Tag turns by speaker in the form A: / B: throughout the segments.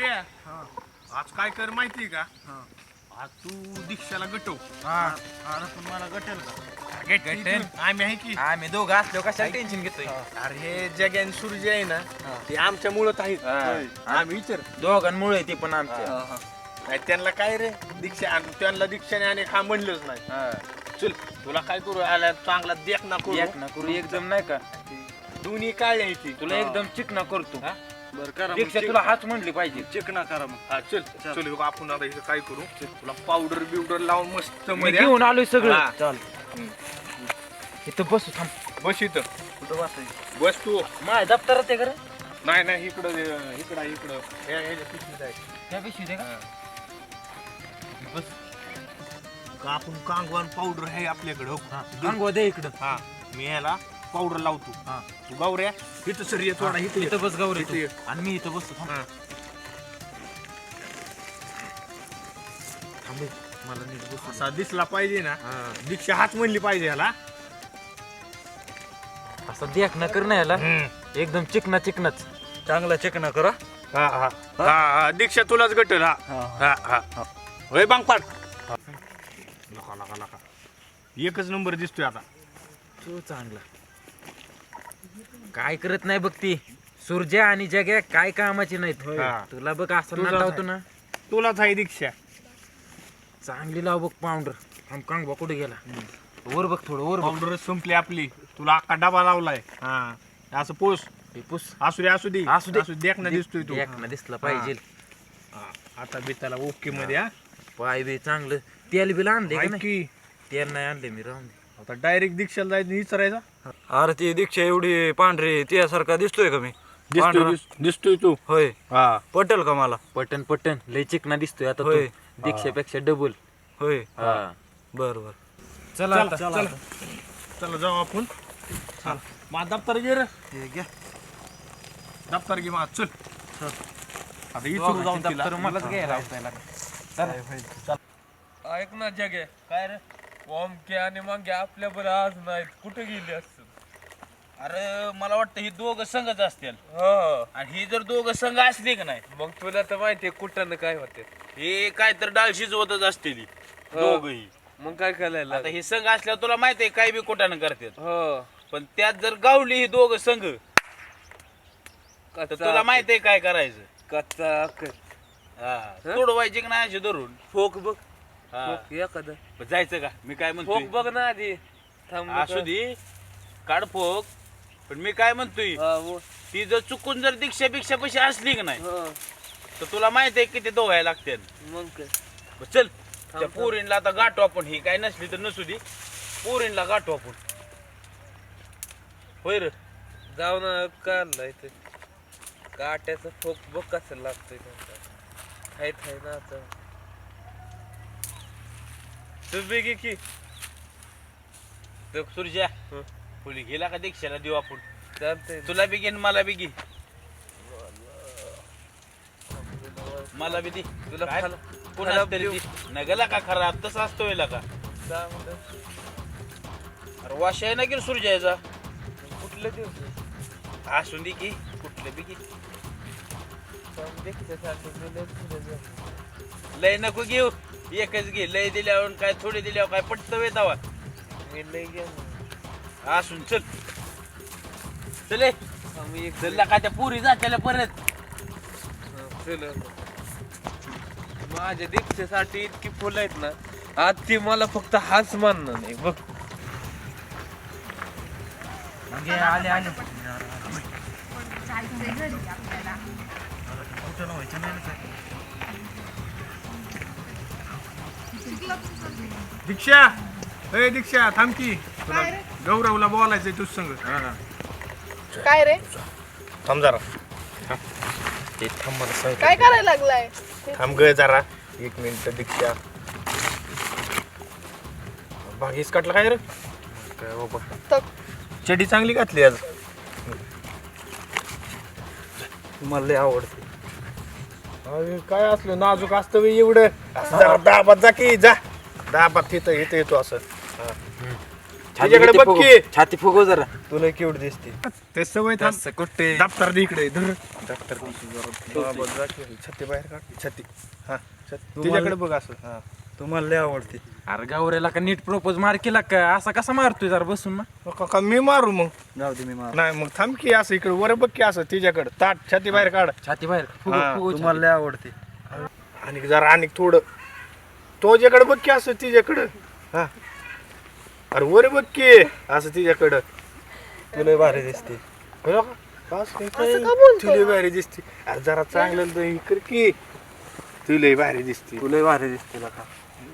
A: गौऱ्या आज काय कर माहिती का? आज तू दीक्षाला गटव.
B: पण मला गटेल का?
A: गटेल आम्ही आहे की.
B: आम्ही दोघं असलो कशाला टेन्शन घेतोय?
A: अरे हे जग्यान सूर्य आहे ना ते आमच्या मुळत आहेत. आम्ही विचार
B: दोघांमुळे ती पण आमच्या
A: नाही त्यांना काय रे दीक्षा आणि त्यांना दीक्षाने आणि खा म्हणलंच नाही. चल तुला काय करू आला चांगला देख ना करू
B: एक ना करू एकदम नाही का
A: दोन्ही काळे आहे ती.
B: तुला एकदम चिकना करतो
C: बरं करा
B: दीक्षा तुला हाच म्हणली पाहिजे
C: चिकना करा मग.
A: हा चल चल बघ आपण आता इथं काय करू तुला पावडर बिवडर लावून मस्त
B: मी
A: मध्ये
B: घेऊन आलोय सगळं
A: हा.
B: चाल इथं बसू थांब
A: बस इथं
B: कुठं बसायचं
A: बस तू.
B: माझ्या दप्तरात आहे खरं
A: नाही नाही इकडं इकडं इकडं ह्याच्या पिशवीत आहे.
B: त्या पिशवी दे का
A: बस का आपण कांगवान पावडर आहे आपल्याकडं हो.
B: अंगवा दे इकडं
A: हा मी ह्याला पावडर लावतो. तू गावऱ्या इथं सर ये थोडा इथं
B: इथं बस गौरी
A: इथं ये.
B: आणि मी इथं बसतो थांब थांब मला नीट बसू
A: असा दिसला पाहिजे ना दीक्षा हाच म्हणली पाहिजे ह्याला.
B: असं देख ना कर ना याला एकदम चिकना चिकनाच
C: चांगला चिकना करा.
A: हा हा हा हा दीक्षा तुलाच गटल. हा हा हा होय बांगपाट नका नका नका एकच नंबर दिसतोय आता.
B: तो चांगला काय करत नाही बघ ती सूर्या आणि जग्या काय कामाची नाहीत
A: हा.
B: तुला बघ असं
A: तुझाच
B: नाटावतो
A: आहे.
B: ना
A: तुलाच आहे दीक्षा.
B: चांगली लाव बघ पाऊंडर हम कांगवा कुठे गेला वर बघ थोडं वर बघ
A: पावडर संपली आपली. तुला अख्खा डबा लावलाय. हा असं पोस
B: हे पुस
A: असू दे असू दे
B: असू दे.
A: देख ना दिसतोय तू.
B: देख ना दिसला पाहिजे
A: हा, आता बी त्याला ओके मध्ये हा.
B: पाय बी चांगलं तेल बिल आणले का
A: ऐक
B: नाही
A: की
B: तेल नाही आणले मी राहून दे
A: आता डायरेक्ट दीक्षाला जायचं विचारायचा.
C: अरे ती दीक्षा एवढी पांढरी त्यासारखा दिसतोय का मी? पांढरा?
A: दिसतोय तू.
C: होय
A: हा
C: पटेल का मला?
B: पटन पटन लय चिकना दिसतोय आता
C: होय.
B: तो दीक्षेपेक्षा डबल
C: होय
B: हा
C: बर बर
B: चला आता
A: चला चला जाऊ आपण. माझा दप्तर घे रे. दप्तर घे माझ चल. आता इथून जाऊन तिला
B: दप्तर मलाच घ्यायला लावताय
D: ऐक ना जगे काय रे ओमके आणि मग आपल्या बरं आज नाहीत कुठे गेले असतील?
E: अरे मला वाटतं ही दोघं संघच असतील
D: हो
E: आणि ही जर दोघं संघ असली की नाही
D: मग तुला तर माहितीये कुठं ना काय होते
E: हे काय तर डाळ शिजवतच असतील दोघही.
D: मग काय करायला
E: आता ही संघ असल्यावर तुला माहितीये काय बी कुठानं करतात.
D: हो
E: पण त्यात जर गावली ही दोघं संघ तर तुला माहितीये काय करायचं.
D: कच्चा
E: हा तोडवायचे की नाही असे धरून.
D: फोक बघ
E: हा.
D: फोक एखादा
E: पण जायचं का मी काय
D: फोक
E: म्हणतोय
D: बघ ना आधी थांब
E: असू दे काढ फोक. पण मी काय म्हणतोय ती जर चुकून जर दीक्षा बिक्षा पैसे असली की नाही तर तुला माहित आहे किती दोघायला लागते.
D: मग काय
E: चल त्या पोरींला आता गाठू आपण. ही काय नसली तर नसू दे पोरींला गाठू आपण. होय रे
D: जाऊ ना काढला इथे काट्याचं फोक बघ कसं लागतंय खायत आहे ना आता तू बेगी की
E: तर सूर्या पोली गेला का दीक्षाला देऊ आपण.
D: चालतंय
E: तुला बी घे आणि मला बी घे. मला बी दे
D: तुला
E: काय?
D: खाला-
E: कोणाला
D: खराब
E: तरी
D: देऊ.
E: दे. नगला का खराब तसं असतो वेळेला का.
D: चांगलं
E: अरे वाश आहे ना की सूर्याचा
D: कुठलं दिवस
E: असून दे की कुठलं बी घे. लय नको घेऊ एकच घे. लय दिल्यावर काय थोडे दिल्यावर काय पटत वेतावा
D: मी लय गेलो
E: असून चल चले
D: आम्ही एक
E: चल का त्या पुरी जात्याला परत.
D: चल माझ्या दीक्षेसाठी इतकी फुलं आहेत ना आज ती मला फक्त हाच मानणार नाही बघ.
B: आले आले
F: जायचंय घरी आपल्याला.
A: दीक्षा ए दीक्षा थांब की तुला गौरवला बोलायचंय तुझ संग.
G: काय रे
A: थांब जरा
B: ते थांब मला सांग
G: काय करायला लागलाय?
A: थांब ग जरा एक मिनिट. दीक्षा भागीस काटला काय रे
B: काय बाबा
G: तक
A: चडी चांगली घातली आज.
B: मला लय आवडते
A: अरे काय असलं नाजूक असतं बे एवढं. असं जरा दाबात जा की जा दाबात तिथं इथं येतो असं. तिच्याकडे बघ की.
B: छाती फुगव जरा.
C: तुला केवढी दिसते
A: ते सवय थांब.
B: असं कुठे
A: दप्तर दे इकडे धर. दप्तर छत्ती बाहेर काढ. छत्ती हा तिच्याकडे बघ असं. हा
C: तुम्हाला लय आवडते.
B: अरे गावऱ्याला का नीट प्रपोज मार केला का असा कसा मारतोय जरा बसून ना.
A: का मी मारू मग.
C: जाऊ दे मी मार.
A: नाही मग थांब की असं इकडे वर बघ की असं तिच्याकडे ताट छाती बाहेर काढ.
B: छाती बाहेर
A: हा,
B: फुगव फुगव
C: तुम्हाला लय आवडते.
A: आणि जरा आणि थोडं तो ज्याकडे बघ की असं तिच्याकडं. हा अरे वर बघ की असं तिच्याकडं.
C: तुला भारी दिसते.
A: बरं का? बस काय काय.
G: असं का बोलतोय?
A: तुला भारी दिसते. अरे जरा चांगलं दही कर की. तुला भारी दिसते.
C: तुला भारी दिसते का.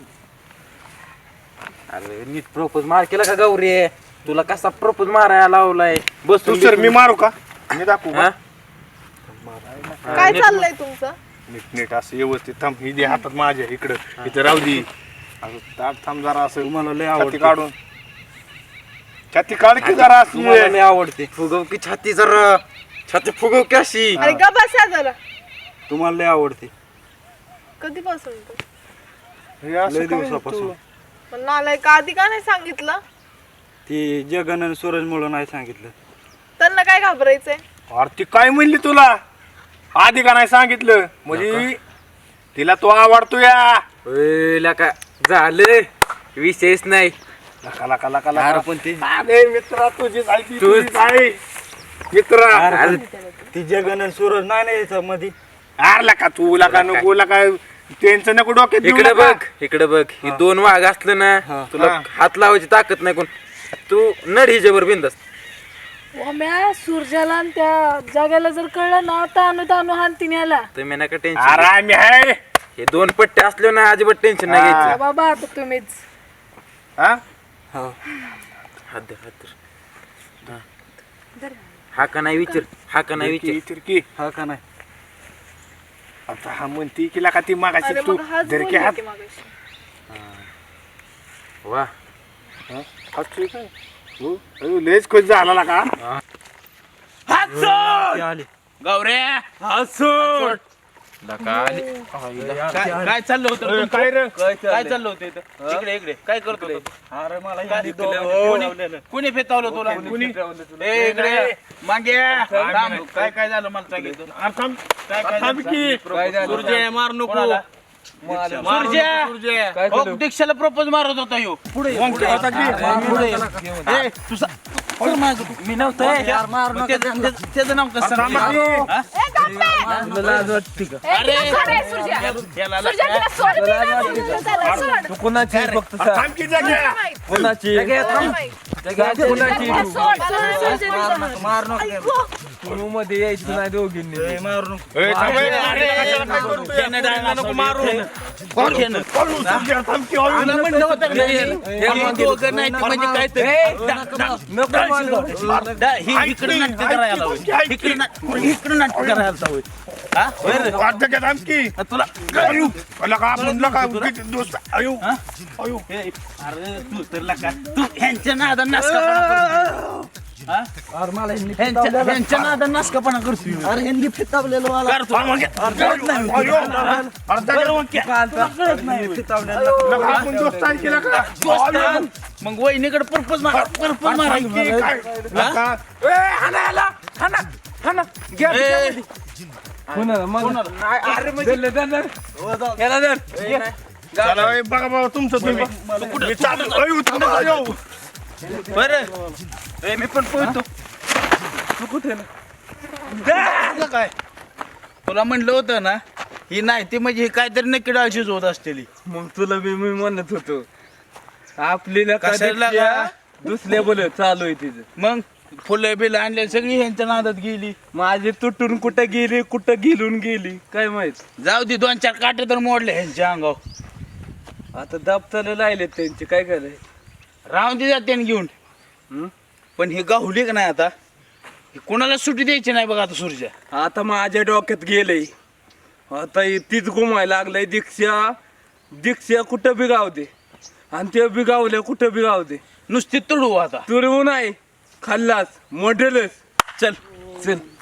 B: अरे नीट प्रपोज मार केला का गौरी तुला कसा प्रपोज मारायला लावलाय
A: तू
B: बसून
A: सर मी मारू का. मी दाखवू का?
B: हा?
G: काय चाललंय तुमचं?
A: नीट नीट असं व्यवस्थित थांब. ही दे हातात माझ्या इकडं इथं राहू दे. असं ताट थांब जरा असं.
C: तुम्हाला लय
A: छाती
C: आवडते.
A: काढून छाती काढ की जरा
C: तुम्हाला
A: अशी.
C: लय आवडते.
B: फुगव की छाती जरा छाती फुगव की अशी
G: अरे ग बसा जरा.
C: तुम्हाला लय आवडते.
G: कधीपासून तू?
A: हे असं
C: लय
A: काय
C: दिवसापासून.
A: तू?
G: पण नालाय का आधी का नाही सांगितलं?
C: ती जगन आणि सूरज मुळे नाही सांगितलं.
G: त्यांना काय घाबरायचंय?
A: अरे ती काय म्हणली तुला आधी का नाही सांगितलं म्हणजे तिला तो आवडतो या.
B: का झालं विशेष नाही
A: लका लका लका
B: अरे
A: लका.
B: पण ती
A: अरे मित्रा तुझीच आहे ती,
B: तूच.
A: तुझीच आहे मित्रा.
C: अरे ती जगन आणि सूरज नाही ना याच्या मध्ये.
A: अरे लका तू लका नको लका त्यांचं नको डोक्यात घेऊ
B: इकडे
A: नका.
B: बघ इकडे बघ ही दोन वाघ असलं ना तुला
A: हा.
B: हात लावायची ताकद नाही कोण तू नड हिच्यावर बिंदस
F: म्या सूर्याला आणि त्या जाग्याला जर कळलं ना तानू तानू हानतीन याला.
B: तुम्ही नका
A: अरे
B: टेन्शन
A: आम्ही आहे.
B: हे दोन पट्टे असले ना अजिबात टेन्शन नाही घ्यायचं
F: बाबा आता तुम्हीच
A: हा?
B: हात धर, हात धर. हा का नाही विचार हा का नाही विचार
A: तिरकी
C: हा का नाही.
A: आता हा म्हणती की लका ती मागाशी
G: अरे
A: तू
G: मग हाच
A: धरकी
G: बोलले
A: हात.
G: की मगाशी.
B: वा
A: हात ठीक आहे. हो, अयो, लयच खुश झाला लका.
C: ती आली.
E: गौऱ्या काय चाललं होतं
A: अय,
E: तुमचं?
A: काय रे
E: काय चाललं होतं इथं इकडे इकडे काय करतो
C: अरे मला
E: कुणी फेतावलं तुला ए, इकडे मागे थांब. काय काय झालं मला सांगितलं
A: अरे थांब.
E: काय काय
A: थांब
E: झालं?
A: की.
E: सूर्य मार नको सूर्य हो, दीक्षाला प्रपोज मारत होता ह्यो
A: मग आता की.
E: ए, तुझा मी नव्हतं त्याचं नाव कसं
A: थांबा की.
E: हा? अरे याला
C: तू कोणाची फक्त
A: अरे थांब की जाग्या.
C: कोणाची तू मध्ये यायची नाही दोघींनी. मारू नको.
A: ए, थांब, ए, अरे, कशाला काय करू तू?
E: त्यानं डायला नको मारू
A: पळू, सूर्या, थांब की. अयो,
E: तुला म्हणलं होतं ना, हे दोघं नाही तर म्हणजे काय तर इकडे नाट्य करायला हवं. इकडे नाट्य करायला हवं. हा? होय रे?
A: वाट जाग्या, थांब की.
E: तुला
A: अयो, लका, आपण लका, किती दोस्त. अयो, अयो.
E: ए, अरे तू तर लका तू ह्यांच्या नादात नासकापणा हा? ह्यांच्या नादात नासकापणा करतो अरे ह्यांनी फितावलेलं मला करतो कळत नाही
A: अयो, अरे जाग्या. लका, आपण दोस्त आहे की लका?
E: दोस्त मग वहिनीकडे पर्पज मारा
A: की काय? लका.
E: ए,
A: चला, ए, बघा बाबा तुमचं तुम्ही. मी चाललो. अयो, थांबा, अयो.
E: बरं ए, मी पण पोहतो तू कुठे ना काय तुला म्हणलं होतं ना ही नाही ती म्हणजे ही काहीतरी नक्की डाळ शिजवत असतेली
D: मग तुला मी म्हणत होतो आपल्याला
E: कशाला
D: दुसऱ्या बोल चालू आहे तिचं
E: मग फुलं बिलं आणले सगळी ह्यांच्या नादात गेली
D: माझी तुटून कुठं गेलून गेली काय माहित.
E: जाऊ दे 2-4 काटे तर मोडले ह्यांच्या अंगावर
D: आता दाबताना लायलेत त्यांचे काय करायचं.
E: राहून दे जाते घेऊन पण ही गावली का नाही आता ही कोणाला सुट्टी द्यायची नाही बघा आता सूर्या
D: आता माझ्या डोक्यात गेलंय आता तीच घुमायला लागलंय. दीक्षा कुठं बिगावते आणि ते बिगावल्या कुठं बिगावते.
E: नुसती तुडू आता
D: तुरवू नाही खाल्लास मोठेलच.
E: चल
D: चल